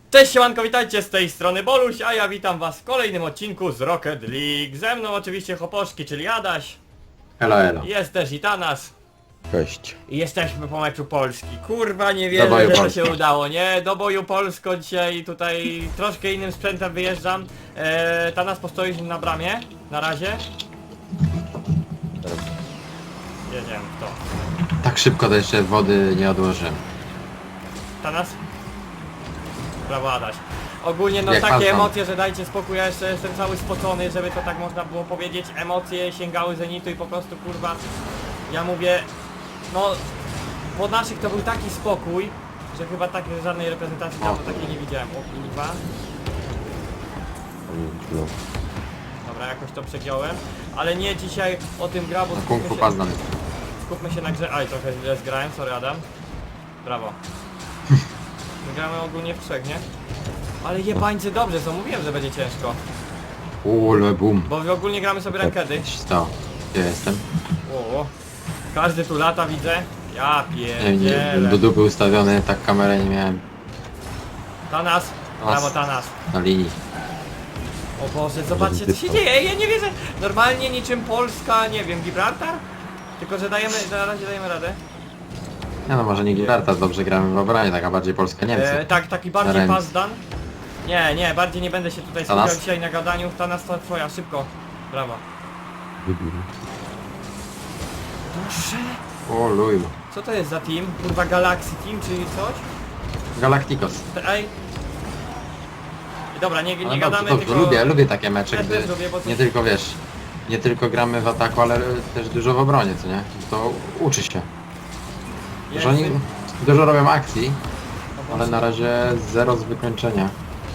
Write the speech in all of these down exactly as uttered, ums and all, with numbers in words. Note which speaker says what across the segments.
Speaker 1: Cześć siemanko, witajcie z tej strony Boluś, a ja witam was w kolejnym odcinku z Rocket League. Ze mną oczywiście Hoposzki, czyli Adaś.
Speaker 2: Elo, elo.
Speaker 1: Jest też i Tanas.
Speaker 3: Cześć.
Speaker 1: I jesteśmy po meczu Polski. Kurwa, nie
Speaker 2: Do
Speaker 1: wierzę,
Speaker 2: boju
Speaker 1: że to
Speaker 2: Polski.
Speaker 1: się udało, nie? Do boju Polsko dzisiaj tutaj troszkę innym sprzętem wyjeżdżam. Eee, Tanas postoi na bramie, na razie. Jedziemy w to.
Speaker 2: Tak szybko to jeszcze wody nie odłożyłem.
Speaker 1: Tanas? Brawo Adaś. Ogólnie no
Speaker 2: Jak
Speaker 1: takie
Speaker 2: pan tam?
Speaker 1: emocje, że dajcie spokój, ja jeszcze jestem cały spocony, żeby to tak można było powiedzieć. Emocje sięgały zenitu i po prostu kurwa, ja mówię, no po naszych to był taki spokój, że chyba tak żadnej reprezentacji dawno takiej nie widziałem. O kurwa. Dobra, jakoś to przegiąłem, ale nie dzisiaj o tym gra, bo
Speaker 2: Na kung
Speaker 1: skupmy
Speaker 2: fu
Speaker 1: się,
Speaker 2: pas znany.
Speaker 1: skupmy się na grze. Aj, trochę źle zgrałem, sorry Adam. Brawo. My gramy ogólnie w trzech, nie? Ale jebańcy dobrze są, mówiłem, że będzie ciężko.
Speaker 2: Ule bum.
Speaker 1: Bo my ogólnie gramy sobie rankedy.
Speaker 2: Co się stało? Gdzie jestem?
Speaker 1: O, każdy tu lata widzę. Ja
Speaker 2: Nie, nie,
Speaker 1: pierdzielę.
Speaker 2: do dupy ustawiony, tak kamerę nie miałem
Speaker 1: Tanas, brawo Tanas.
Speaker 2: na linii.
Speaker 1: O Boże, zobaczcie co się dzieje, Ej, ja nie wierzę. Normalnie niczym Polska, nie wiem, Gibraltar? Tylko, że dajemy, na razie dajemy radę.
Speaker 2: Nie no, może nie Gibraltar, dobrze gramy w obronie, taka bardziej Polska Niemcy.
Speaker 1: E, tak, taki bardziej
Speaker 2: Remis.
Speaker 1: pass done. Nie, nie, bardziej nie będę się tutaj
Speaker 2: Tanas?
Speaker 1: skupiał dzisiaj na gadaniu. Tanas to twoja, szybko. Brawo. Boże,
Speaker 2: O luj.
Speaker 1: co to jest za team? Kurwa Galaxy Team, czy coś?
Speaker 2: Galacticos.
Speaker 1: Te- Ej. Dobra, nie, nie
Speaker 2: Ale
Speaker 1: gadamy,
Speaker 2: dobrze, dobrze,
Speaker 1: tylko...
Speaker 2: lubię, lubię takie mecze,
Speaker 1: Też
Speaker 2: gdy
Speaker 1: też lubię, bo to-
Speaker 2: nie tylko wiesz, nie tylko gramy w ataku, ale też dużo w obronie, co nie? To uczy się. Że oni dużo robią akcji, ale na razie zero z wykończenia.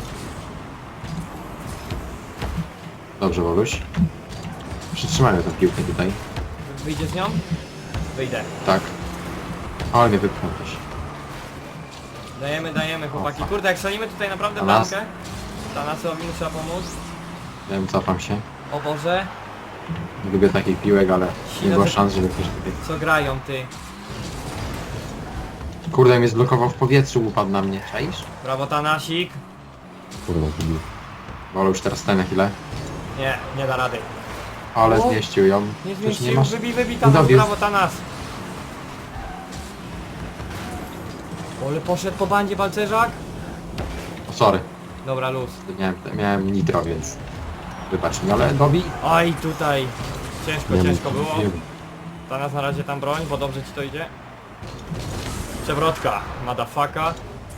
Speaker 2: Dobrze, Boluś. Przytrzymajmy tę piłkę tutaj.
Speaker 1: Wyjdzie z nią? Wyjdę.
Speaker 2: Tak. Ale mnie wypchnął też.
Speaker 1: Dajemy, dajemy chłopaki.
Speaker 2: O,
Speaker 1: Kurde, jak strzelimy tutaj naprawdę
Speaker 2: Tanas?
Speaker 1: bramkę, Tanasowi mu trzeba pomóc.
Speaker 2: Wiem, cofam się.
Speaker 1: O Boże,
Speaker 2: Nie lubię takich piłek, ale nie było szans, żeby ktoś tutaj...
Speaker 1: co grają ty.
Speaker 2: Kurde, mnie zblokował w powietrzu, upadł na mnie. Czaisz?
Speaker 1: Brawo Tanasik.
Speaker 3: Kurwa, wybił.
Speaker 2: Boluś teraz stoi na chwilę.
Speaker 1: Nie, nie da rady.
Speaker 2: Ale
Speaker 1: O!
Speaker 2: zmieścił ją.
Speaker 1: Nie
Speaker 2: Przecież
Speaker 1: zmieścił,
Speaker 2: masz-
Speaker 1: wybij, wybij Tanas,
Speaker 2: Dowiózł.
Speaker 1: brawo Tanas. Ole poszedł po bandzie balcerzak.
Speaker 2: O, sorry.
Speaker 1: Dobra, luz.
Speaker 2: Miałem, miałem nitro, więc... Wybacz mi, ale Bobby...
Speaker 1: Oj, tutaj. Ciężko,
Speaker 3: Nie
Speaker 1: ciężko
Speaker 3: mów,
Speaker 1: było.
Speaker 3: nie.
Speaker 1: Tanas na razie tam broń, bo dobrze ci to idzie. Przewrotka, madafaka.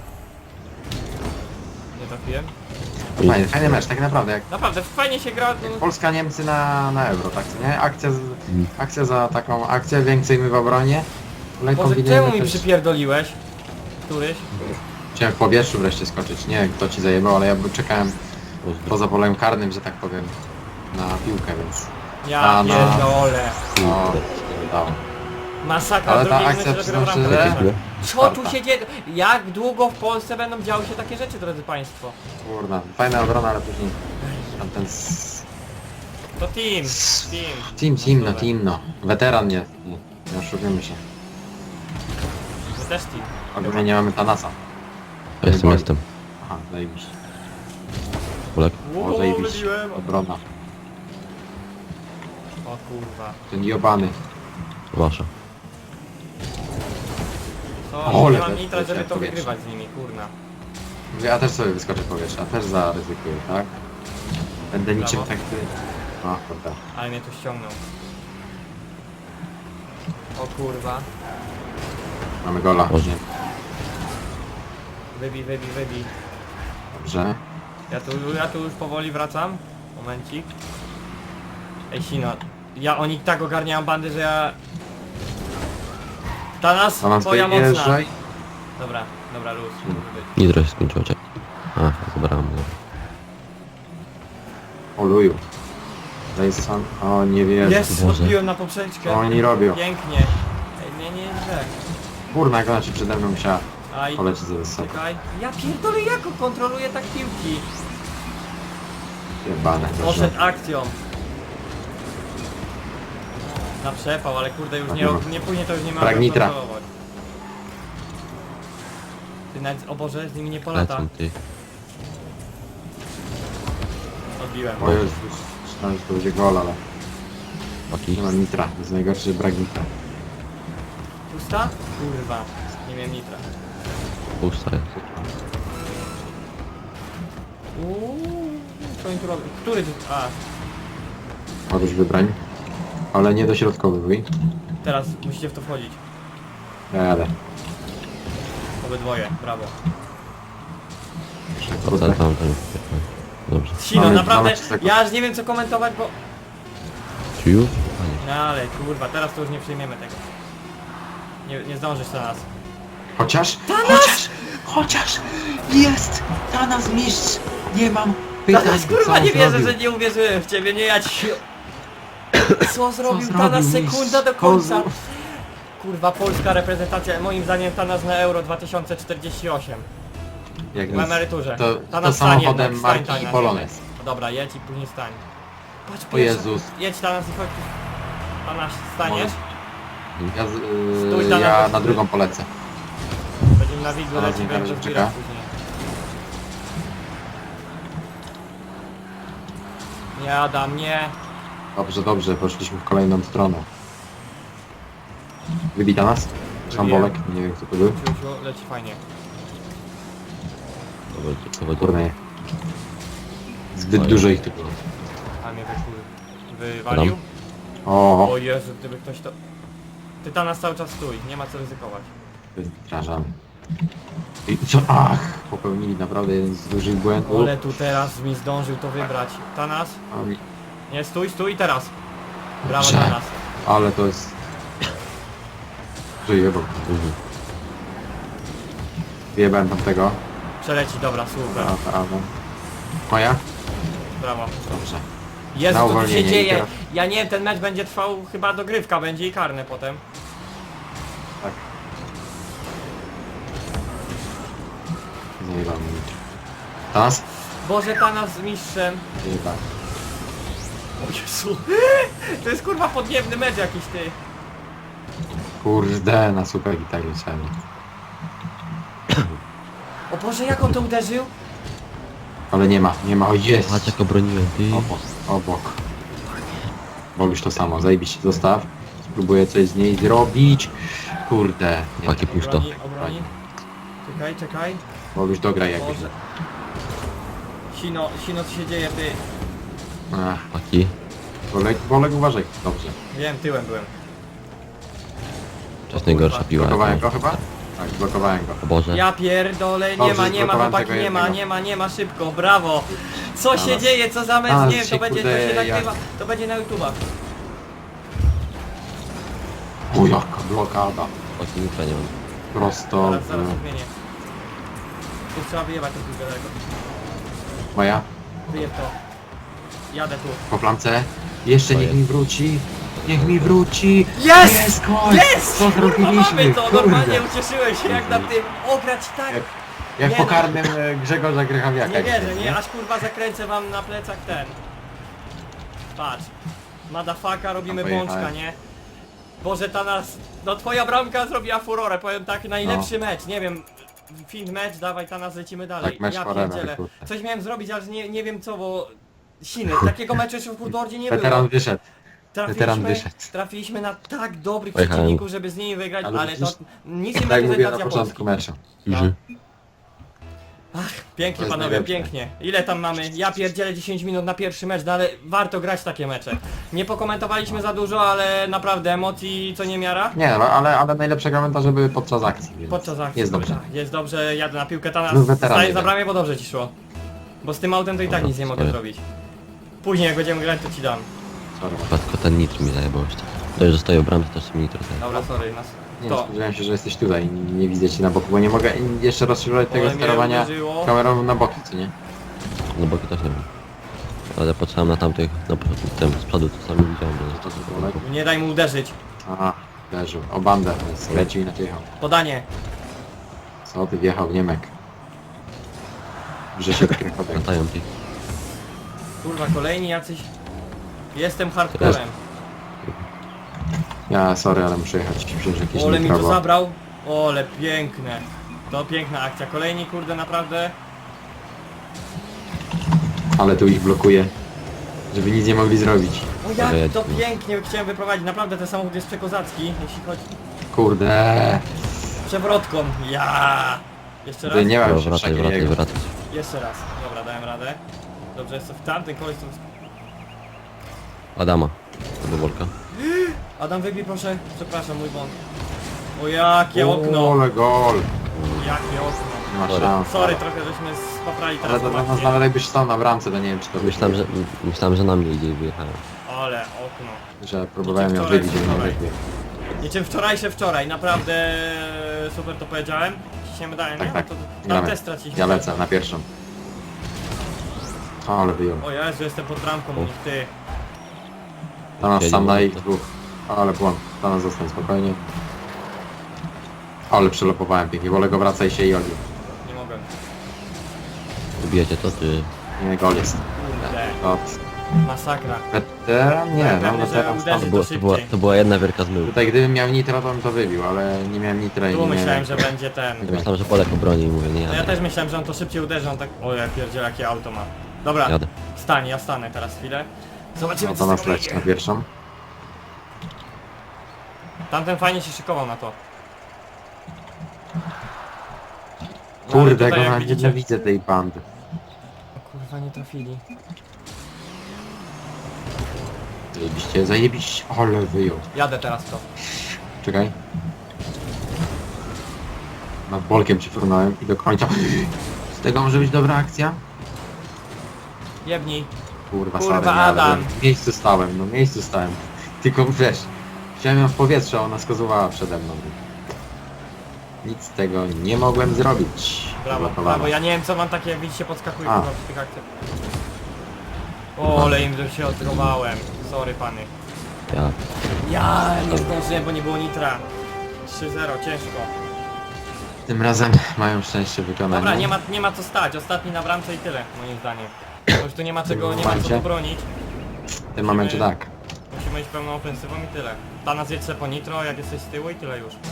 Speaker 1: Nie trafiłem.
Speaker 2: Fajny, fajny mecz, tak naprawdę, jak
Speaker 1: Naprawdę, fajnie się gra. No,
Speaker 2: Polska-Niemcy na, na euro, tak co nie? Akcja, z, akcja za taką akcję, więcej my w obronie. Ale
Speaker 1: Boże,
Speaker 2: kombinujemy
Speaker 1: czemu mi
Speaker 2: też...
Speaker 1: przypierdoliłeś? Któryś?
Speaker 2: Chciałem w powietrzu wreszcie skoczyć, nie wiem kto ci zajebał, ale ja by- czekałem poza polem karnym, że tak powiem, na piłkę, więc...
Speaker 1: Ja
Speaker 2: A, no.
Speaker 1: pierdolę.
Speaker 2: No, nie udało.
Speaker 1: Masakra,
Speaker 2: Ale ta
Speaker 1: drugi
Speaker 2: akcja,
Speaker 1: minut dopiero
Speaker 2: przyznam
Speaker 1: bramka.
Speaker 2: szczerze,
Speaker 1: Co tu
Speaker 2: czwarta.
Speaker 1: się dzieje? Jak długo w Polsce będą działy się takie rzeczy, drodzy państwo?
Speaker 2: Kurna, fajna obrona, ale później... Tam ten... s-
Speaker 1: To team, team.
Speaker 2: Team, team, no
Speaker 1: Dobra.
Speaker 2: team, no. Weteran nie, nie, nie oszukujmy się.
Speaker 1: My też team.
Speaker 2: Ogólnie nie mamy Tanasa.
Speaker 3: Jestem,
Speaker 2: boli.
Speaker 3: jestem.
Speaker 2: Aha, zajebiście.
Speaker 3: Polak.
Speaker 2: O,
Speaker 1: Uuu,
Speaker 2: zajebiście.
Speaker 1: wybiłem.
Speaker 2: Obrona.
Speaker 1: O kurwa.
Speaker 2: Ten jobany.
Speaker 3: Wasza.
Speaker 1: Co?
Speaker 2: O,
Speaker 1: Nie
Speaker 2: ale
Speaker 1: mam
Speaker 2: to-
Speaker 1: nitra, żeby
Speaker 2: to
Speaker 1: to
Speaker 2: powietrze.
Speaker 1: wygrywać z nimi, kurna.
Speaker 2: Ja też sobie wyskoczę w powietrze, a też zaryzykuję, tak? Będę niczym
Speaker 1: Brawo.
Speaker 2: tak ty... O, kurde.
Speaker 1: Ale mnie tu ściągnął. O kurwa.
Speaker 2: Mamy gola.
Speaker 3: Boże.
Speaker 2: Nie,
Speaker 1: Wybij, wybij, wybij.
Speaker 2: dobrze.
Speaker 1: Ja tu, ja tu już powoli wracam. Momencik. Ej Sino, ja oni tak ogarniają bandy, że ja... Tanas,
Speaker 2: Tanas,
Speaker 1: twoja mocna.
Speaker 2: wyjeżdżaj.
Speaker 1: Dobra, dobra, luz.
Speaker 2: Hmm.
Speaker 3: Nitro się skończyło, czekaj. A, zabrałem go.
Speaker 2: O luju. Dejson. O, nie wierzę.
Speaker 1: Jest,
Speaker 3: Boże.
Speaker 1: odbiłem na poprzeczkę.
Speaker 2: Co oni robią?
Speaker 1: Pięknie. Ej, nie, nie, źle.
Speaker 2: Kurna, jak ona się przede mną musiała
Speaker 1: Aj,
Speaker 2: polecieć za wysoko.
Speaker 1: czekaj. Ja pierdolę, jak on kontroluje tak piłki.
Speaker 2: Jebane. dobrze.
Speaker 1: Poszedł akcją. Na przepał, ale kurde już nie, nie później to już nie ma
Speaker 2: Brak nitra.
Speaker 1: kontrolować. Ty nawet, o Boże, z nimi nie polata.
Speaker 3: Lecą ty.
Speaker 1: Odbiłem.
Speaker 2: O Jezus, myślałem, że to będzie gol, ale
Speaker 3: Chłopaki.
Speaker 2: nie mam nitra. To jest najgorszy, że brak nitra.
Speaker 1: Pusta? Kurwa. Nie miałem nitra.
Speaker 3: Pusta jest.
Speaker 1: Uuu, co oni tu robią? Który tu... A,
Speaker 2: Możesz wybrań. Ale nie dośrodkowy,
Speaker 1: teraz musicie w to wchodzić.
Speaker 2: ja jadę.
Speaker 1: Obydwoje, brawo.
Speaker 3: O, tam, tam, tam. Dobrze.
Speaker 1: Sino,
Speaker 2: Mamy-
Speaker 1: naprawdę,
Speaker 2: mamy trzy sekundy.
Speaker 1: ja aż nie wiem co komentować, bo...
Speaker 3: Czy już? A nie.
Speaker 1: No ale kurwa, teraz to już nie przyjmiemy tego. Nie, nie zdążysz teraz.
Speaker 2: Chociaż, chociaż, chociaż jest Tanas mistrz. Nie mam pytań.
Speaker 1: Tanas, kurwa,
Speaker 2: co on
Speaker 1: nie wierzę,
Speaker 2: zrobił.
Speaker 1: że nie uwierzyłem w ciebie, nie ja ci... Co zrobił
Speaker 2: zrobił
Speaker 1: Tanas
Speaker 2: mistrz?
Speaker 1: sekunda do końca?
Speaker 2: Kozu.
Speaker 1: Kurwa, polska reprezentacja, moim zdaniem Tanas na Euro dwa tysiące czterdzieści osiem.
Speaker 2: Jak
Speaker 1: W
Speaker 2: nic.
Speaker 1: emeryturze.
Speaker 2: To,
Speaker 1: Tanas
Speaker 2: to
Speaker 1: stań
Speaker 2: samochodem
Speaker 1: jednak, stań,
Speaker 2: marki
Speaker 1: Tanas,
Speaker 2: Polones.
Speaker 1: jednak. Dobra, jedź i później stań. Patrz,
Speaker 2: O
Speaker 1: pierwsza-
Speaker 2: Jezus.
Speaker 1: Jedź Tanas i chodź. Tanas, staniesz?
Speaker 2: Ja, z,
Speaker 1: Stój,
Speaker 2: yy,
Speaker 1: Tanas,
Speaker 2: ja
Speaker 1: chodź
Speaker 2: na
Speaker 1: tu.
Speaker 2: drugą polecę.
Speaker 1: Będziemy na widzu
Speaker 2: Tanas
Speaker 1: leci,
Speaker 2: nie
Speaker 1: będę
Speaker 2: czeka.
Speaker 1: zbierać później. Nie Adam, nie.
Speaker 2: Dobrze, dobrze, poszliśmy w kolejną stronę. Wybita nas?
Speaker 1: Wybiłem.
Speaker 2: Szambolek, nie wiem kto to był.
Speaker 1: Ciuciu, leci fajnie.
Speaker 3: Dobra, to będzie.
Speaker 2: Kurde nie. Zbyt
Speaker 3: Oj.
Speaker 2: dużo ich tu było.
Speaker 1: A mnie wykur... wywalił.
Speaker 2: O,
Speaker 1: O Jezu, gdyby ktoś to... Ty Tanas cały czas stój, nie ma co ryzykować.
Speaker 2: wyrażamy. I co? Ach, popełnili naprawdę jeden z dużych błędów.
Speaker 1: Ale tu teraz mi zdążył to wybrać. Tanas?
Speaker 2: A mi-
Speaker 1: Nie, stój, stój teraz. Brawo
Speaker 2: Dobrze.
Speaker 1: Tanas.
Speaker 2: Ale to jest... Żyję, bo
Speaker 3: Mhm.
Speaker 2: wyjebałem tamtego.
Speaker 1: Przeleci, dobra, super.
Speaker 2: A, a, a. Moja?
Speaker 1: Brawo.
Speaker 2: Dobrze.
Speaker 1: Jezu,
Speaker 2: Na
Speaker 1: co tu się
Speaker 2: uwolnienie i
Speaker 1: dzieje?
Speaker 2: teraz-
Speaker 1: Ja nie wiem, ten mecz będzie trwał, chyba dogrywka będzie i karne potem.
Speaker 2: Tak. Zajebałem mi. Teraz?
Speaker 1: Boże, Tanas z mistrzem.
Speaker 2: Zajebałem.
Speaker 1: O Jezu. To jest kurwa podniebny mecz jakiś, ty.
Speaker 2: Kurde, na super gitarze leciałem.
Speaker 1: O Boże, jak on to uderzył?
Speaker 2: Ale nie ma, nie ma, o jest!
Speaker 3: Patrz jak obroniłem, ty.
Speaker 2: Obok, obok. Wolisz to samo, zajebiście, zostaw. Spróbuję coś z niej zrobić. Kurde. Nie,
Speaker 3: Chłopaki, puść to.
Speaker 1: Obroni, obroni. Czekaj, czekaj.
Speaker 2: Wolisz dograj jakoś.
Speaker 1: Boże. Sino, Sino, co się dzieje, ty?
Speaker 2: Ach,
Speaker 3: Chłopaki.
Speaker 2: Wolek, Wolek uważaj. Dobrze.
Speaker 1: Wiem, tyłem byłem.
Speaker 3: To jest najgorsza piła.
Speaker 2: Blokowałem
Speaker 3: jaką-
Speaker 2: go chyba? Tak, blokowałem go.
Speaker 3: O Boże.
Speaker 1: Ja pierdolę, nie
Speaker 2: Dobrze,
Speaker 1: ma, nie ma
Speaker 2: zblokowałem
Speaker 1: chłopaki,
Speaker 2: tego
Speaker 1: nie ma,
Speaker 2: jednego.
Speaker 1: nie ma, nie ma, szybko, brawo! Co się
Speaker 2: Tanas.
Speaker 1: dzieje, co za mecz,
Speaker 2: Tanas
Speaker 1: nie wiem, to
Speaker 2: się,
Speaker 1: będzie, to
Speaker 2: kurde,
Speaker 1: się
Speaker 2: jak-
Speaker 1: nagrywa, to będzie na YouTubach.
Speaker 2: O jaka blokada.
Speaker 3: Chłopaki, nitra nie mam.
Speaker 2: Prosto
Speaker 1: Zaraz, zaraz
Speaker 2: w...
Speaker 1: odmienię. Tu trzeba wyjebać tą piłkę daleko.
Speaker 2: Moja?
Speaker 1: Wyjeb to. Jadę tu.
Speaker 2: Po flamce. Jeszcze
Speaker 3: To
Speaker 2: niech
Speaker 3: jest.
Speaker 2: mi wróci. Niech mi wróci.
Speaker 1: Jest!
Speaker 2: Jest gol!
Speaker 1: Jest!
Speaker 2: Co
Speaker 1: Kurwa,
Speaker 2: zrobiliśmy?
Speaker 1: mamy to,
Speaker 2: Kurde.
Speaker 1: normalnie ucieszyłem się jak na tym, ograć tak.
Speaker 2: Jak, jak
Speaker 1: Nie
Speaker 2: po
Speaker 1: no.
Speaker 2: karnym e, Grzegorza Grychawiaka.
Speaker 1: Nie wierzę,
Speaker 2: dzisiaj,
Speaker 1: nie? Aż kurwa zakręcę wam na plecach ten. Patrz. Madafaka, robimy
Speaker 2: Tam pojechałem.
Speaker 1: bączka, nie? Boże, ta nas... No twoja bramka zrobiła furorę, powiem tak, najlepszy mecz, nie wiem. Fin mecz, dawaj, ta nas lecimy dalej.
Speaker 2: Tak, mecz
Speaker 1: ja
Speaker 2: forever,
Speaker 1: pierdzielę.
Speaker 2: kurde.
Speaker 1: Coś miałem zrobić, ale nie, nie wiem co, bo... Siny, takiego meczu jeszcze w Woodwardzie nie
Speaker 2: Weteran
Speaker 1: było.
Speaker 2: wyszedł. weteran
Speaker 1: Trafiliśmy,
Speaker 2: wyszedł.
Speaker 1: trafiliśmy na tak dobrych
Speaker 3: Pojechałem.
Speaker 1: przeciwników, żeby z nimi wygrać,
Speaker 2: Ale
Speaker 1: ale, to
Speaker 2: przecież-
Speaker 1: nic nie
Speaker 2: Tak jak mówiłem na
Speaker 1: reprezentacja
Speaker 2: początku
Speaker 1: Polski.
Speaker 2: meczu.
Speaker 3: Iży.
Speaker 1: Pięknie
Speaker 2: To jest
Speaker 1: panowie,
Speaker 2: najlepsze.
Speaker 1: pięknie. Ile tam mamy? Ja pierdzielę dziesięć minut na pierwszy mecz, no ale warto grać takie mecze. Nie pokomentowaliśmy za dużo, ale naprawdę emocji co nie miara.
Speaker 2: Nie, no, ale, ale najlepsze komentarze były podczas akcji. Więc
Speaker 1: Podczas akcji.
Speaker 2: Jest dobrze.
Speaker 1: Tak, jest dobrze, jadę na piłkę, ta nas
Speaker 2: Znów weteran
Speaker 1: staje za
Speaker 2: jeden.
Speaker 1: bramie, bo dobrze ci szło. Bo z tym autem to i tak
Speaker 3: Dobra,
Speaker 1: nic nie mogę
Speaker 3: stoję.
Speaker 1: zrobić. Później jak będziemy grać, to ci dam.
Speaker 2: Sorry.
Speaker 3: Tylko ten nitr mi zajebał jeszcze. To już zostaje w bramce, też mi nitro zajebał.
Speaker 1: Dobra, sorry, nas.
Speaker 2: Nie,
Speaker 1: To.
Speaker 2: spodziewałem się, że jesteś tutaj. Nie, nie widzę cię na boku, bo nie mogę jeszcze rozszerzać tego
Speaker 1: Ale mnie
Speaker 2: sterowania
Speaker 1: uderzyło.
Speaker 2: kamerą na boki, co nie?
Speaker 3: No boki też nie wiem. Ale patrzyłem na tamtych, no tym z przodu to sami widziałem, że
Speaker 2: To
Speaker 3: to
Speaker 2: co, Wolek?
Speaker 1: Nie daj mu uderzyć.
Speaker 2: Aha, leżył. O bandę, lecił i naciechał.
Speaker 1: Podanie.
Speaker 2: Co ty wjechał w Niemek? Że się Krychowiak.
Speaker 3: latają ci.
Speaker 1: Kurwa, kolejni jacyś... Jestem hardcorem.
Speaker 2: Ja sorry, ale muszę jechać. Wziąć jakieś
Speaker 1: Ole mi to
Speaker 2: nitro, bo-
Speaker 1: zabrał. Ole piękne. To piękna akcja. Kolejni kurde naprawdę.
Speaker 2: Ale tu ich blokuje, żeby nic nie mogli zrobić.
Speaker 1: O
Speaker 3: Dobra,
Speaker 1: jak
Speaker 3: jedź,
Speaker 1: to
Speaker 3: no.
Speaker 1: pięknie chciałem wyprowadzić, naprawdę ten samochód jest przekozacki, jeśli chodzi
Speaker 2: Kurde.
Speaker 1: przewrotką. Ja. Jeszcze raz?
Speaker 2: Ty nie
Speaker 3: Dobra,
Speaker 2: mam się
Speaker 3: wracaj, wracaj,
Speaker 2: jego.
Speaker 3: wracaj.
Speaker 1: Jeszcze raz. Dobra, dałem radę. Dobrze, jest to w tamtym koleś to...
Speaker 3: Adama. Do Bolka.
Speaker 1: Adam wybij proszę, przepraszam, mój błąd. O jakie okno,
Speaker 2: Ole gol.
Speaker 1: jakie okno.
Speaker 2: Nie ma
Speaker 3: Sorry.
Speaker 2: szans.
Speaker 1: Sorry, trochę żeśmy spaprali
Speaker 2: Ale
Speaker 1: teraz
Speaker 2: to
Speaker 1: tą
Speaker 2: nas
Speaker 1: akcję.
Speaker 2: nawet jakbyś stał na bramce, to nie wiem czy to
Speaker 3: Myślałem, że, myślałem, że na mnie idzie i wyjechałem.
Speaker 1: Ale okno.
Speaker 2: że próbowałem ją
Speaker 1: wczoraj,
Speaker 2: wybić, ale nie
Speaker 1: wczoraj.
Speaker 2: wybiłem.
Speaker 1: Niczym wczorajsze wczoraj, naprawdę super to powiedziałem. Ciśniemy dalej,
Speaker 2: Tak,
Speaker 1: nie?
Speaker 2: tak.
Speaker 1: To, tam
Speaker 2: Gramy.
Speaker 1: też straciliśmy.
Speaker 2: Ja lecę na pierwszą. O, ale wyjął.
Speaker 1: O Jezu, jestem pod bramką,
Speaker 3: O.
Speaker 1: ty.
Speaker 2: To nas
Speaker 3: Siedzi
Speaker 2: sam na
Speaker 3: moment,
Speaker 2: ich
Speaker 3: to-
Speaker 2: dwóch. O, ale błąd. To nas zostań spokojnie. O, ale przelopowałem pięknie. Wolę go wracaj się i Oli.
Speaker 1: Nie mogę.
Speaker 3: Ubijecie to, czy...
Speaker 2: Nie, gol jest.
Speaker 1: Kurde,
Speaker 2: Od
Speaker 1: masakra.
Speaker 2: weteran? Nie, no
Speaker 1: Pewnie, że
Speaker 2: weteran
Speaker 1: uderzy
Speaker 3: To,
Speaker 2: stąd.
Speaker 3: było, to, była, to była jedna wielka zmyłka.
Speaker 2: Tutaj gdybym miał nitro, to bym to wybił, ale nie miałem nitra i
Speaker 1: Tu
Speaker 2: nie
Speaker 1: myślałem,
Speaker 2: miałem...
Speaker 1: że będzie ten.
Speaker 3: Myślałem, że Bolek obroni i mówię, nie
Speaker 1: No
Speaker 3: jadę.
Speaker 1: ja też myślałem, że on to szybciej uderzy, on tak... O ja pierdzielę, jakie auto ma. Dobra,
Speaker 3: Jadę.
Speaker 1: stań, ja stanę teraz chwilę. Zobaczymy
Speaker 2: No
Speaker 1: co
Speaker 2: to
Speaker 1: z
Speaker 2: nas
Speaker 1: tego
Speaker 2: leci
Speaker 1: wyjdzie.
Speaker 2: na pierwszą.
Speaker 1: Tamten fajnie się szykował na to. No, ale
Speaker 2: Kurde,
Speaker 1: tutaj,
Speaker 2: go
Speaker 1: jak
Speaker 2: na
Speaker 1: widzicie-
Speaker 2: nienawidzę tej bandy.
Speaker 1: O kurwa, nie trafili.
Speaker 2: Zajebiście, zajebiście. Ale wyjął.
Speaker 1: Jadę teraz w to.
Speaker 2: Czekaj. Nad bolkiem ci frunąłem i do końca. Z tego może być dobra akcja?
Speaker 1: Jebnij.
Speaker 2: Kurwa,
Speaker 1: Kurwa,
Speaker 2: sorry, nie, ale
Speaker 1: Adam.
Speaker 2: W miejscu stałem, no w miejscu stałem. Tylko wiesz, chciałem ją w powietrze, a ona skazowała przede mną. Nic z tego nie mogłem zrobić.
Speaker 1: Brawo,
Speaker 2: Zablokowana.
Speaker 1: brawo, ja nie wiem co mam takie, jak widzicie, podskakuję
Speaker 2: A.
Speaker 1: kurwa przy tych akcjach. O, ale im się odrobałem. Sorry pany.
Speaker 3: Ja.
Speaker 1: Ja nie zdążyłem, bo nie było nitra. trzy zero, ciężko.
Speaker 2: Tym razem mają szczęście wykonania.
Speaker 1: Dobra, nie ma, nie ma co stać. Ostatni na bramce i tyle, moim zdaniem. Bo już tu nie ma czego, nie ma co
Speaker 2: momencie?
Speaker 1: bronić.
Speaker 2: W tym momencie tak.
Speaker 1: Musimy iść pełną ofensywą i tyle. Ta nas jedź se po nitro, jak jesteś z tyłu i tyle już.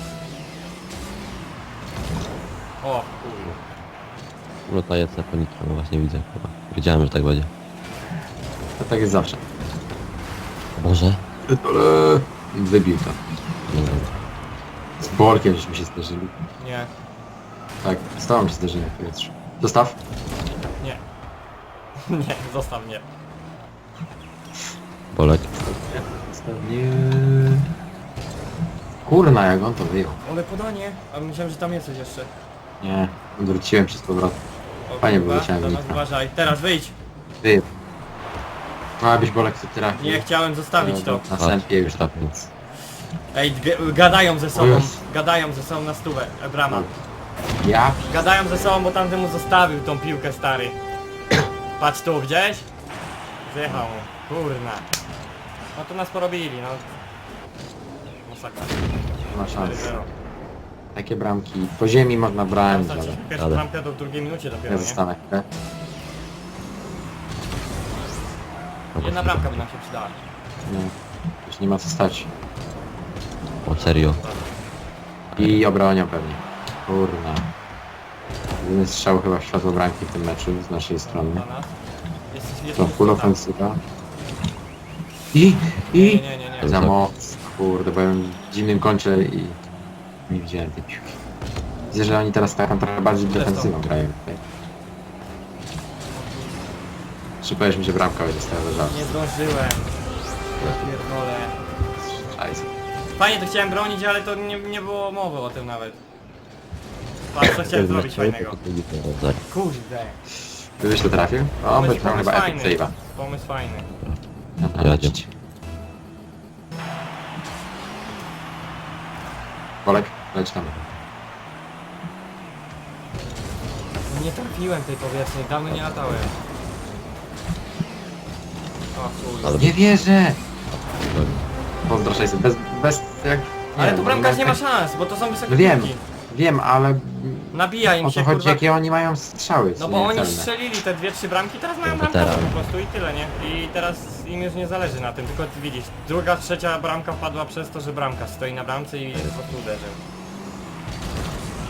Speaker 1: O,
Speaker 3: No to jest po nitro, no właśnie widzę chyba. Wiedziałem, że tak będzie.
Speaker 2: To tak jest zawsze.
Speaker 3: O Boże.
Speaker 2: Ale wybił to.
Speaker 3: No dobra.
Speaker 2: Z bolkiem żeśmy się zderzyli.
Speaker 1: nie,
Speaker 2: Tak, z tobą się zderzyli w powietrzu. Dostaw.
Speaker 1: nie. Nie, zostaw mnie.
Speaker 3: Bolek.
Speaker 2: Nie. Kurna, jak on to wyjął.
Speaker 1: Ale podanie. A myślałem, że tam jesteś jeszcze.
Speaker 2: Nie, odwróciłem się z powrotem.
Speaker 1: O,
Speaker 2: Fajnie
Speaker 1: kurwa,
Speaker 2: wyleciałem
Speaker 1: do nas
Speaker 2: nitra.
Speaker 1: uważaj. Teraz wyjdź.
Speaker 2: Ty. No abyś bolek tu trafił.
Speaker 1: Nie, chciałem zostawić to.
Speaker 2: Na sępie już tak więc.
Speaker 1: Ej, g- gadają ze
Speaker 2: O
Speaker 1: sobą.
Speaker 2: Jezu.
Speaker 1: Gadają ze sobą na stówę. E, brama.
Speaker 2: Ja?
Speaker 1: Gadają ze sobą, bo tamtemu zostawił tą piłkę, stary. Patrz tu, gdzieś? Zjechał mu. Kurna. No to nas porobili, no. Masakra.
Speaker 2: Nie ma szans.
Speaker 1: cztery zero.
Speaker 2: Takie bramki. Po ziemi można brać, ale
Speaker 1: Pierwsza
Speaker 3: Ale-
Speaker 1: bramka do drugiej minucie dopiero,
Speaker 2: ja
Speaker 1: nie?
Speaker 2: zostanę chwilę.
Speaker 1: Jedna bramka by nam się przydała.
Speaker 2: Nie. Już nie ma co stać.
Speaker 3: O serio.
Speaker 2: I obronią pewnie. Kurna. Jedyny strzał chyba w światło bramki w tym meczu z naszej strony.
Speaker 1: Dla nas. Jest, jest
Speaker 2: To full
Speaker 1: tam.
Speaker 2: ofensywa. I,
Speaker 1: Nie,
Speaker 2: i...
Speaker 1: nie, nie, nie.
Speaker 2: Za moc. Kurde, byłem w dziwnym kącie i nie widziałem tej piłki. Widzę, że oni teraz taką trochę bardziej defensywą grają tutaj. Szybko mi się bramka będzie stała za żal.
Speaker 1: Nie zdążyłem. Ja pierdolę.
Speaker 2: Szajs.
Speaker 1: Fajnie to chciałem bronić, ale to nie, nie było mowy o tym nawet. Patrz co chciałem zrobić fajnego. Kurde.
Speaker 2: Gdybyś to trafił? O, by tam chyba epic save'a.
Speaker 1: Pomysł fajny.
Speaker 3: Jadzie.
Speaker 2: Bolek, leć tam.
Speaker 1: Nie trafiłem tej powietrznej, dawno nie latałem. O chuj.
Speaker 3: Ale-
Speaker 2: Nie wierzę! Pozdro sześćset, bez, bez jak...
Speaker 1: Ale
Speaker 2: wiem,
Speaker 1: tu bramkarz nie ma
Speaker 2: tak-
Speaker 1: szans, bo to są wysokie
Speaker 2: No wiem,
Speaker 1: piłki.
Speaker 2: wiem, ale
Speaker 1: Nabija im
Speaker 2: o
Speaker 1: się
Speaker 2: co chodzi,
Speaker 1: kurwa.
Speaker 2: jakie oni mają strzały,
Speaker 1: No
Speaker 2: co
Speaker 1: bo
Speaker 2: nie
Speaker 1: oni
Speaker 2: celne.
Speaker 1: strzelili te dwie, trzy bramki, teraz mają
Speaker 3: No,
Speaker 1: bramkę
Speaker 3: weteran.
Speaker 1: po prostu i tyle, nie? I teraz im już nie zależy na tym, tylko ty widzisz, druga, trzecia bramka wpadła przez to, że bramka stoi na bramce i po prostu uderzył.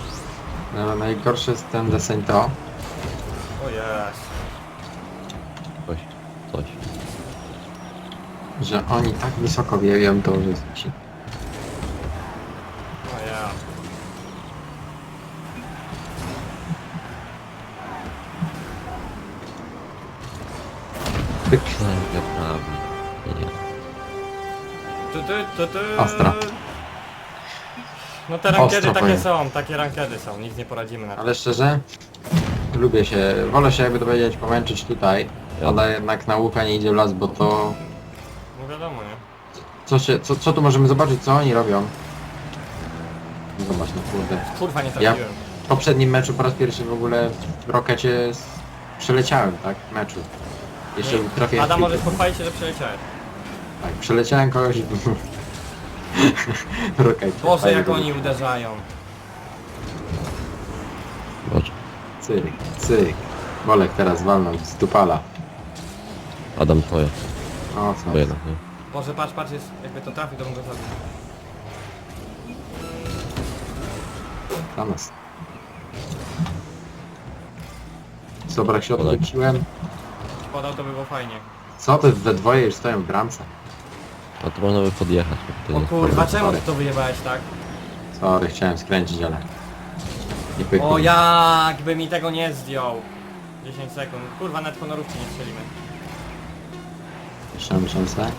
Speaker 2: No, najgorszy jest ten deseń to,
Speaker 1: O jest.
Speaker 3: Coś, coś.
Speaker 2: Że oni tak wysoko wieją, to że się...
Speaker 1: O ja.
Speaker 2: Pyk.
Speaker 3: Sędzia prawny. Nie.
Speaker 1: Tu, tu, tu, tu.
Speaker 2: Ostra.
Speaker 1: No te rankedy
Speaker 2: Ostro
Speaker 1: takie
Speaker 2: powiem.
Speaker 1: są, takie rankedy są, nic nie poradzimy na to.
Speaker 2: Ale szczerze, lubię się, wolę się jakby to powiedzieć pomęczyć tutaj,
Speaker 3: Ja.
Speaker 2: ale jednak nauka nie idzie w las, bo to...
Speaker 1: No wiadomo, nie?
Speaker 2: Co, się, co, co tu możemy zobaczyć, co oni robią? Zobacz, no kurde.
Speaker 1: Kurwa, nie
Speaker 2: Ja
Speaker 1: trafiłem.
Speaker 2: w poprzednim meczu po raz pierwszy w ogóle w rokecie s- przeleciałem, tak? W meczu. Jeszcze
Speaker 1: Nie.
Speaker 2: trafiłem
Speaker 1: Adam,
Speaker 2: w
Speaker 1: możesz
Speaker 2: piłkę.
Speaker 1: pochwalić się, że przeleciałeś.
Speaker 2: Tak, przeleciałem kogoś i... w rokecie.
Speaker 1: Boże,
Speaker 2: Fajnie
Speaker 1: jak
Speaker 2: było.
Speaker 1: oni uderzają.
Speaker 3: Boże.
Speaker 2: Cyk, cyk. Bolek teraz walnął z dupala.
Speaker 3: Adam twoje.
Speaker 2: O, co?
Speaker 3: Bo jednak, nie?
Speaker 1: Boże, patrz, patrz, jest, jakby to trafił, to bym go zabił.
Speaker 2: Dla nas. Dobra, jak się
Speaker 3: Bolek.
Speaker 2: odwróciłem.
Speaker 1: Podał, to by było fajnie.
Speaker 2: Co ty we dwoje już stoją w bramce?
Speaker 3: A to można by podjechać. bo to
Speaker 1: O
Speaker 3: nie
Speaker 1: kurwa,
Speaker 3: jest
Speaker 1: czemu ty to wyjebałeś tak?
Speaker 2: Sorry, chciałem skręcić, ale... Nie pykło.
Speaker 1: O, jakby mi tego nie zdjął. dziesięć sekund. Kurwa, nawet honorówki nie strzelimy.
Speaker 2: Jeszcze miesiące.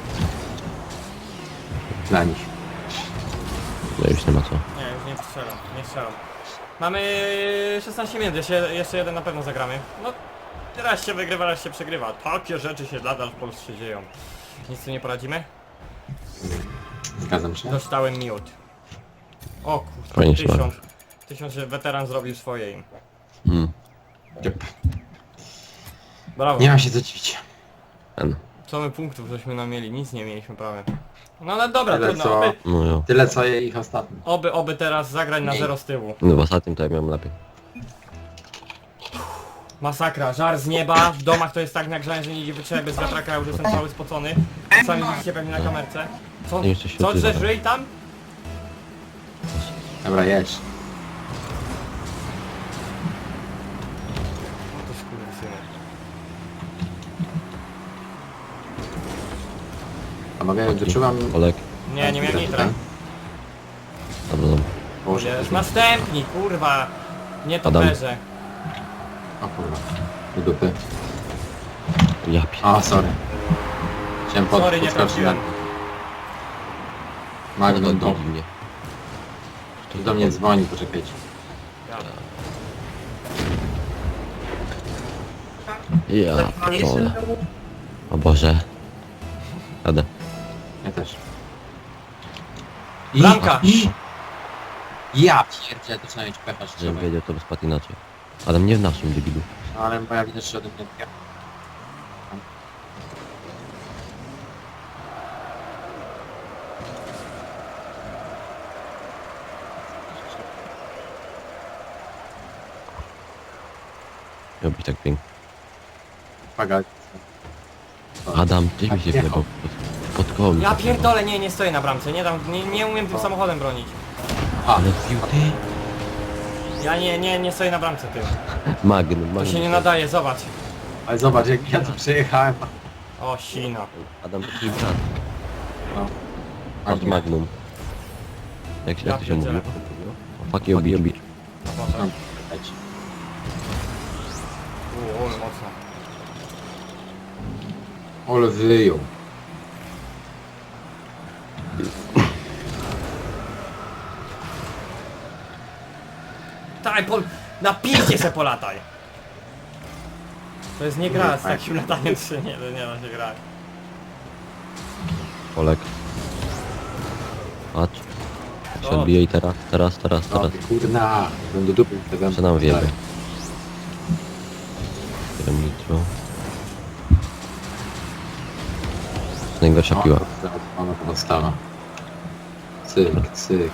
Speaker 2: Dla nich.
Speaker 3: No już nie ma co.
Speaker 1: Nie, już nie strzelam, nie strzelam. Mamy szesnaście minut, jeszcze, jeszcze jeden na pewno zagramy. No, raz się wygrywa, raz się przegrywa. Takie rzeczy się nadal w Polsce dzieją. Nic tu nie poradzimy?
Speaker 2: Zgadzam się.
Speaker 1: Dostałem miód. O kurwa,
Speaker 3: Fajnie się
Speaker 1: tysiąc. Tysiąc, że weteran zrobił swoje im.
Speaker 3: Hmm.
Speaker 2: Yep.
Speaker 1: Brawo.
Speaker 2: Nie ma się co dziwić.
Speaker 3: Ten.
Speaker 1: Co my punktów żeśmy nam mieli? Nic nie mieliśmy prawie. No ale dobra,
Speaker 2: Tyle
Speaker 1: trudno.
Speaker 2: co-
Speaker 1: Oby,
Speaker 3: No jo.
Speaker 2: Tyle co je ich ostatnio.
Speaker 1: oby, oby teraz zagrać na
Speaker 2: Mniej.
Speaker 1: zero z tyłu.
Speaker 3: No w ostatnim to ja miałem lepiej.
Speaker 1: Masakra, żar z nieba, w domach to jest tak nagrzane, że nie idzie wytrzymać bez wiatraka, ja już jestem cały spocony. Sami widzicie pewnie na kamerce. Co,
Speaker 3: Nie jeszcze się
Speaker 1: co
Speaker 3: odzywa.
Speaker 1: drzesz ryj tam?
Speaker 2: Dobra, jedź.
Speaker 1: No to skurwysyny.
Speaker 2: Panowie, wyczuwam...
Speaker 3: Olek.
Speaker 1: Nie, nie miałem nitra.
Speaker 3: Dobra, dobra.
Speaker 2: Boże,
Speaker 1: Jest następni, kurwa. Nie to
Speaker 3: Adam.
Speaker 1: perze.
Speaker 2: o kurwa. Do dupy.
Speaker 3: Ja pier...
Speaker 2: O, sorry. Chciałem pod,
Speaker 1: Sorry, nie
Speaker 2: podskoczyć na...
Speaker 1: trafiłem.
Speaker 2: Magnum do...
Speaker 3: mnie.
Speaker 2: Ktoś do mnie dzwoni, poczekajcie.
Speaker 1: Ja.
Speaker 3: Ja pierdolę. O Boże. Jadę.
Speaker 2: Ja też.
Speaker 1: Bramka.
Speaker 2: I... Ja pierdzielę, to trzeba mieć pecha
Speaker 3: Żebym
Speaker 2: szczerze.
Speaker 3: wiedział, to by spadł inaczej. Adam nie w naszym debilu.
Speaker 2: No, ale moja widać, że ode mnie odbiega.
Speaker 3: Miał być tak pięknie.
Speaker 2: Uwaga.
Speaker 3: Adam, ty mi się
Speaker 2: jechał.
Speaker 3: wjebał pod, pod koło. mi
Speaker 1: Ja
Speaker 3: się wjebał.
Speaker 1: pierdolę, nie, nie stoję na bramce, nie dam, nie, nie umiem tym samochodem bronić.
Speaker 2: A,
Speaker 3: Ale wbił ty.
Speaker 1: Ja nie, nie, nie stoję na bramce tym.
Speaker 3: Magnum,
Speaker 1: To
Speaker 3: magnum.
Speaker 1: się nie nadaje, zobacz.
Speaker 2: ale zobacz, jak ja tu przejechałem.
Speaker 1: O, sina.
Speaker 3: Adam, to twój brat.
Speaker 2: No.
Speaker 3: Masz magnum. Jak, się-
Speaker 1: Ja
Speaker 3: jak to się mówi?
Speaker 1: pierdzielę.
Speaker 3: O, fuck you, bitch.
Speaker 1: A Boże.
Speaker 2: No, czekajcie.
Speaker 1: U, ale mocno.
Speaker 2: Ole wyjął.
Speaker 1: Taj, pol... Na piździe se polataj! To jest nie gra, z takim lataniem trzy nie, to nie da się grać.
Speaker 3: Olek. Patrz. Jak się
Speaker 1: O.
Speaker 3: odbije i teraz, teraz, teraz,
Speaker 2: No,
Speaker 3: teraz.
Speaker 2: kurna. Będę do dupy wtedy.
Speaker 3: Co nam wiemy? Bieram nitro. Najgorsza piła.
Speaker 2: Ona to dostawa. Cyk, cyk.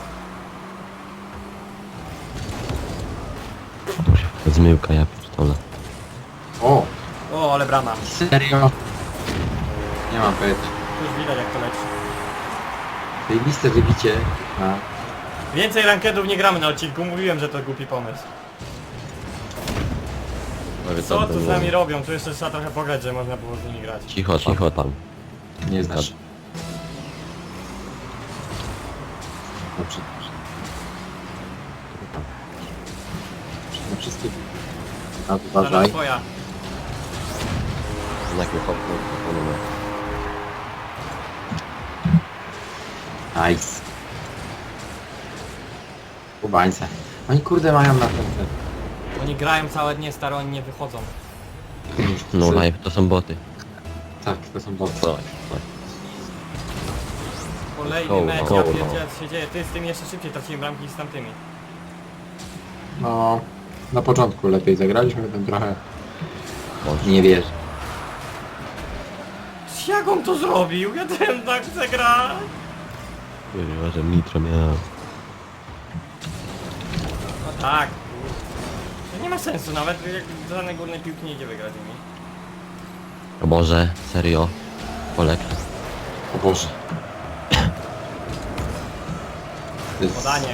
Speaker 3: Zmyłka, ja pierdolę.
Speaker 2: O!
Speaker 1: O, ale brama.
Speaker 2: Serio? Nie mam pojęcia.
Speaker 1: Już widać jak to leci.
Speaker 2: Zajebiste wybicie. A,
Speaker 1: Więcej rankedów nie gramy na odcinku, mówiłem, że to głupi pomysł.
Speaker 3: Powiedz,
Speaker 1: Co
Speaker 3: tam
Speaker 1: tu z
Speaker 3: było.
Speaker 1: nami robią? Tu jeszcze trzeba trochę pograć, że można było z nimi grać.
Speaker 3: Cicho, cicho tam.
Speaker 2: Nie znasz. Dobrze, dobrze. Na wszystkie... A,
Speaker 1: Dobra,
Speaker 2: uważaj.
Speaker 1: twoja.
Speaker 3: Znak mi hopnął, hopnął.
Speaker 2: Nice. Kubańce. Oni kurde mają na ten... ten.
Speaker 1: Oni grają całe dnie, staro, oni nie wychodzą.
Speaker 3: No live, to są boty.
Speaker 2: Tak, to są boty.
Speaker 3: Dawaj, dawaj.
Speaker 1: Kolejny
Speaker 3: Koło,
Speaker 1: mecz,
Speaker 3: koło,
Speaker 1: ja
Speaker 3: no.
Speaker 1: pierdzielę, co się dzieje. Ty z tym jeszcze szybciej traciłem bramki niż z tamtymi.
Speaker 2: No... Na początku lepiej zagraliśmy, potem trochę...
Speaker 3: Boże.
Speaker 2: Nie wierzę.
Speaker 1: Jak on to zrobił? Ja ten tak chcę grać.
Speaker 3: Kurwa, że nitro miałem.
Speaker 1: No tak. To nie ma sensu, nawet jak do żadnej górnej piłki nie idzie wygrać nimi.
Speaker 3: O Boże, serio? Polek.
Speaker 2: O Boże. To jest-
Speaker 1: Podanie.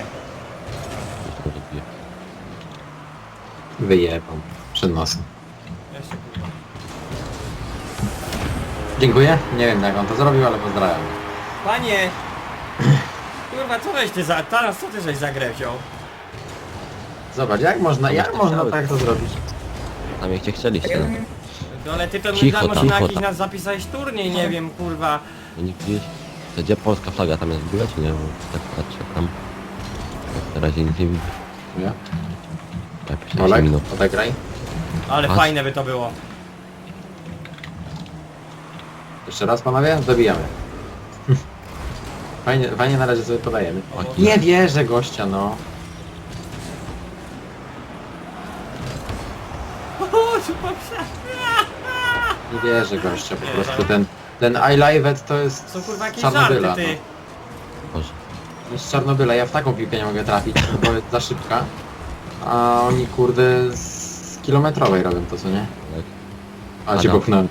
Speaker 2: Wyjebam. Przed nosem.
Speaker 1: Jeszcze kurwa.
Speaker 2: Dziękuję. Nie wiem jak on to zrobił, ale pozdrawiam.
Speaker 1: Panie! Kurwa, co żeś ty za... Teraz co ty żeś za grę wziął?
Speaker 2: Zobacz, jak można,
Speaker 3: To
Speaker 2: jak
Speaker 3: byście
Speaker 2: można
Speaker 3: chciały.
Speaker 2: tak to zrobić?
Speaker 3: Tam jak cię chcieliście. No.
Speaker 1: No ale ty to
Speaker 3: Cicho
Speaker 1: może
Speaker 3: tam,
Speaker 1: na
Speaker 3: cicho
Speaker 1: jakiś
Speaker 3: tam.
Speaker 1: nas zapisałeś turniej, nie wiem, kurwa.
Speaker 3: No nie widzisz? To gdzie polska flaga tam jest w ogóle, czy nie? Bo tak patrzę tam. Na razie nic nie widzę.
Speaker 2: Nie?
Speaker 3: Tak, piętnaście
Speaker 2: Olek,
Speaker 3: minut.
Speaker 2: odegraj.
Speaker 1: Ale
Speaker 3: Masz?
Speaker 1: fajne by to było.
Speaker 2: Jeszcze raz panowie, dobijamy. Fajnie, fajnie na razie sobie podajemy.
Speaker 3: O,
Speaker 2: Nie wierzę gościa, no.
Speaker 1: O, super psa.
Speaker 2: Nie wierzę gościa, po
Speaker 1: Nie,
Speaker 2: prostu
Speaker 1: no.
Speaker 2: ten... Ten iLive to jest
Speaker 1: Są kurwa jakieś
Speaker 2: z Czarnobyla.
Speaker 1: żarty, ty.
Speaker 2: No.
Speaker 3: Boże.
Speaker 2: To jest z Czarnobyla, ja w taką piłkę nie mogę trafić, bo jest za szybka. A oni kurde z kilometrowej robią to, co nie?
Speaker 3: Olek.
Speaker 2: A cię
Speaker 3: Adam.
Speaker 2: popchnąłem.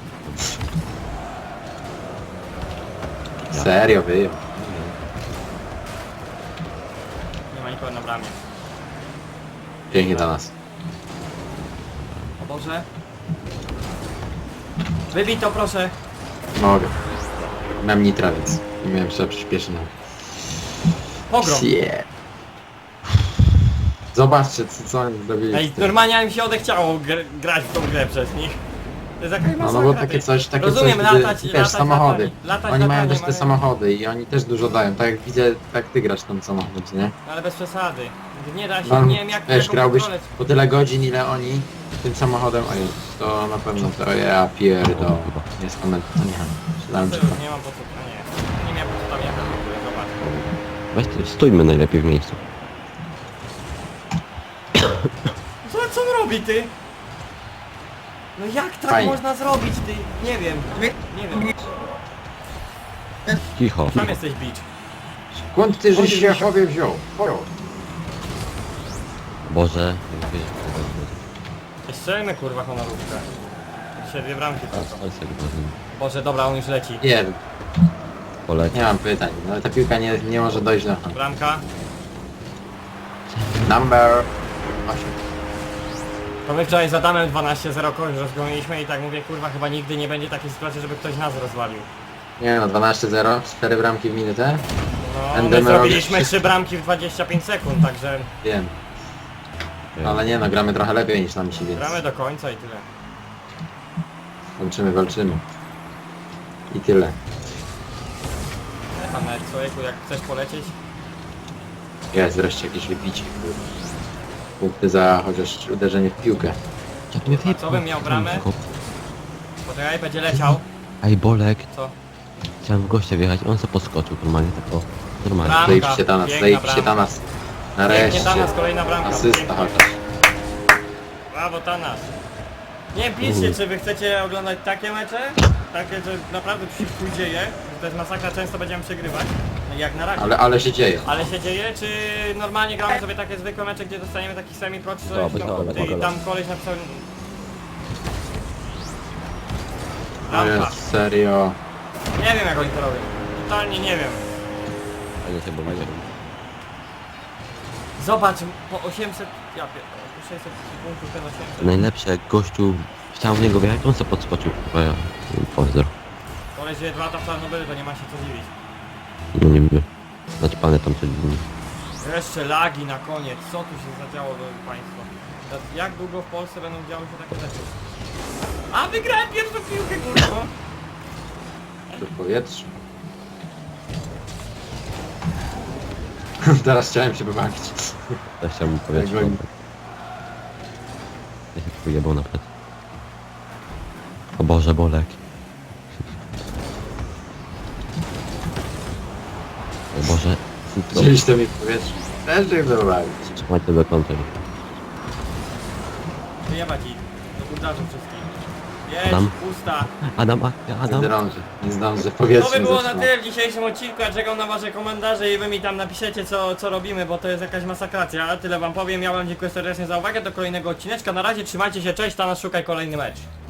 Speaker 3: Ja.
Speaker 2: Serio, wyjął.
Speaker 1: Nie ma nikogo na bramie.
Speaker 2: Pięknie dla nas.
Speaker 1: O Boże. Wybij to proszę.
Speaker 2: Mogę. Miałem nitra, więc nie miałem się przyspieszyć. No.
Speaker 1: Pogrom.
Speaker 2: Yeah. Zobaczcie, co, co oni zrobili.
Speaker 1: Ej,
Speaker 2: z tym.
Speaker 1: normalnie mi się odechciało gr grać w tą grę przez nich. To jest jakaś
Speaker 2: No,
Speaker 1: masakra,
Speaker 2: no bo takie
Speaker 1: ty.
Speaker 2: coś, takie
Speaker 1: Rozumiem,
Speaker 2: coś, gdy,
Speaker 1: latać,
Speaker 2: wiesz,
Speaker 1: latać,
Speaker 2: samochody.
Speaker 1: latać, latać,
Speaker 2: Oni mają
Speaker 1: latanie,
Speaker 2: też te
Speaker 1: mają-
Speaker 2: samochody i oni też dużo dają. Tak jak widzę, tak ty grasz tym samochodem, co nie?
Speaker 1: Ale bez przesady. Nie da się,
Speaker 2: No,
Speaker 1: nie wiem jak
Speaker 2: wiesz,
Speaker 1: jaką
Speaker 2: grałbyś
Speaker 1: kontrolę-
Speaker 2: po tyle godzin, ile oni tym samochodem, a już, to na pewno to ja pierdolę. Jest koment, to nie. Czytałem,
Speaker 1: To
Speaker 2: czy
Speaker 1: już nie mam po co, a nie. Nie miałem po co tam jechać w ogóle, zobacz.
Speaker 3: Weź ty, stójmy najlepiej w miejscu.
Speaker 1: Co, co on robi, ty? No jak tak
Speaker 2: Fajnie.
Speaker 1: można zrobić, ty? Nie wiem. Nie wiem.
Speaker 3: Cicho.
Speaker 1: Tam jesteś bicz.
Speaker 2: skąd ty żeś się chłopie wziął? Wziął.
Speaker 3: Boże. Nie wiedzieć, co to będzie.
Speaker 1: Strzelmy kurwa honorówkę. Dzisiaj dwie bramki
Speaker 3: Teraz
Speaker 1: tylko.
Speaker 3: Olsek Boże.
Speaker 1: Boże, dobra, on już leci.
Speaker 2: Nie,
Speaker 3: Polek.
Speaker 2: nie mam pytań, no ale ta piłka nie, nie może dojść do...
Speaker 1: Bramka.
Speaker 2: Number osiem.
Speaker 1: To my wczoraj z Adamem dwanaście zero koń rozgoniliśmy i tak mówię, kurwa, chyba nigdy nie będzie takiej sytuacji, żeby ktoś nas rozwalił.
Speaker 2: Nie no, dwanaście zero, cztery bramki w minutę.
Speaker 1: No,
Speaker 2: Będę
Speaker 1: my
Speaker 2: robić
Speaker 1: zrobiliśmy
Speaker 2: wszystko.
Speaker 1: trzy bramki w dwadzieścia pięć sekund, także
Speaker 2: Wiem, ale nie no, gramy trochę lepiej niż nam się, więc
Speaker 1: gramy do końca i tyle.
Speaker 2: walczymy, walczymy. I tyle.
Speaker 1: Nie tam nawet człowieku, jak chcesz polecieć,
Speaker 2: Jest wreszcie jakieś wybicie, kurwa. Punkty za chociaż uderzenie w piłkę.
Speaker 3: Jak mnie
Speaker 1: A co bym miał bramę? poczekaj, będzie leciał.
Speaker 3: Ej, Bolek.
Speaker 1: Co?
Speaker 3: Chciałem w gościa wjechać, on se podskoczył normalnie, tak o. Normalnie.
Speaker 1: Bramka,
Speaker 2: Zajebiście dla nas,
Speaker 1: piękna
Speaker 2: zajebiście dla
Speaker 1: bramka.
Speaker 2: nas.
Speaker 1: Pięknie
Speaker 2: Nareszcie.
Speaker 1: Tanas, kolejna bramka.
Speaker 2: Asysta
Speaker 1: Pięknie.
Speaker 2: chociaż.
Speaker 1: Brawo Tanas. Nie wiem, piszcie, czy wy chcecie oglądać takie mecze? Takie, że naprawdę tu się chuj dzieje, że to jest masakra, często będziemy przegrywać, jak na razie.
Speaker 2: Ale, ale się dzieje.
Speaker 1: Ale się dzieje, czy normalnie gramy sobie takie zwykłe mecze, gdzie dostaniemy taki semi-pro, czy
Speaker 3: Dobra,
Speaker 1: coś, no,
Speaker 3: dobra,
Speaker 1: ty,
Speaker 3: dobra.
Speaker 1: tam koleś napisał...
Speaker 2: No
Speaker 1: Rampa.
Speaker 2: jest serio.
Speaker 1: Nie wiem jak oni to robią. Totalnie nie wiem.
Speaker 3: Fajnie się bawicie.
Speaker 1: Zobacz, po osiemset Ja pierdolę, sześćset punktów, ten osiemset.
Speaker 3: Najlepsze, jak gościu chciał w niego wjechać, on se podskoczył. Chyba ja. Pozdro.
Speaker 1: Koleś żyje dwa lata w Czarnobylu, to nie ma się co dziwić.
Speaker 3: No nie wiem. Naćpane tam codziennie.
Speaker 1: Jeszcze lagi na koniec, co tu się zadziało, drodzy państwo? To jak długo w Polsce będą działy się takie rzeczy? A wygrałem pierwszą piłkę, kurwa!
Speaker 2: To w powietrzu. Teraz chciałem się wybawić.
Speaker 3: Ja chciałbym powiedzieć.
Speaker 2: Jak oni-
Speaker 3: Ja się pojebał na plecy. O Boże, Bolek. O Boże. No,
Speaker 2: Gdzieś to mi w powietrzu. Też się chcę wybawić.
Speaker 3: trzymajcie do końca.
Speaker 1: Wyjebać ich, do burdarzy wszystkich. Jedź,
Speaker 3: Adam?
Speaker 1: pusta.
Speaker 3: Adam, akcja,
Speaker 2: Nie
Speaker 3: Adam.
Speaker 2: zdążę. Nie zdążę. W powietrzu
Speaker 1: To by było na
Speaker 2: zatrzymam.
Speaker 1: tyle w dzisiejszym odcinku, ja czekam na wasze komentarze i wy mi tam napiszecie co, co robimy, bo to jest jakaś masakracja. Tyle wam powiem, ja wam dziękuję serdecznie za uwagę, do kolejnego odcineczka. Na razie trzymajcie się, cześć, Thanos, szukaj kolejny mecz.